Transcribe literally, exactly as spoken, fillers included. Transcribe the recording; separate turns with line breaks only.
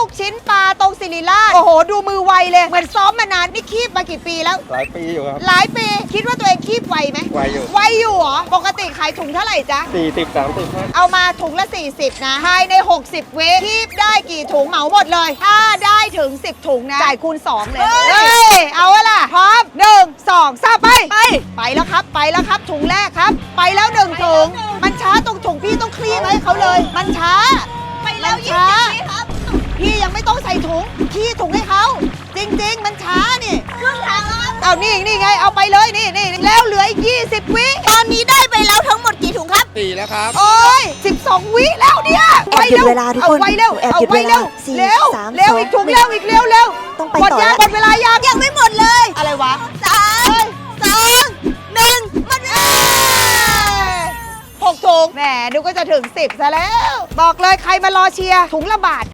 กชิ้นปลาตรงศิริราชโอ้โหดูมือไวเลยเหมือนซ้อมมานานนี่คีบมากี่ปีแล้ว
หลายปีอยู่ครับ
หลายปีคิดว่าตัวเองคีบไวไหม
ไวอยู่
ไวอยู่เหรอปกติขายถุงเท่าไหร่จ๊ะ
สี่สิบ สามสิบ
เอามาถุงละสี่สิบนะภายในหกสิบเวฟคีบได้กี่ถุงเหมาหมดเลยถ้าได้ถึงสิบถุงนะจ่ายคูณสองเลยเฮ้ยเอาล่ะพร้อมหนึ่งสองสามไปไปไปแล้วครับไปแล้วครับถุงแรกครับไปแล้วหนึ่งถุงมันช้าตรงถุงพี่ต้องคลี่ให้เขาเลยมันช้าไปแล้วช้าพี่ยังไม่ต้องใส่ถุงขี้ถุงให้เขาจริงๆมันช้านี่ครึ่งทางแล้วเอานี่นี่ไงเอาไปเลยนี่นี่แล้วเหลืออีกยี่สิบวิตอนนี้ได้ไปแล้วทั้งหมดกี่ถุงครับ
สี่แล้วครับ
โอ้ยสิบสองวิแล้วเนี่ย
แอบหยุดเวลาทุกคน
เอาไวเร็ว
แอบ
เอา
หยุด
ไว
เว
เร็
ลาว สี่
เร็ว
สาม
เร็ว
สอง
อีกถุงเร็วอีกเร็วเร็ว
ต้องไป
หมด
ต่อ
ยัง
แล้ว
หมดเวลายังยังไม่หมดเลยอะไรวะสามสองหนึ่งหมดเวลาหกถุงแหมดูก็จะถึงสิบซะแล้วบอกเลยใครมารอเชียร์ถุงละบาท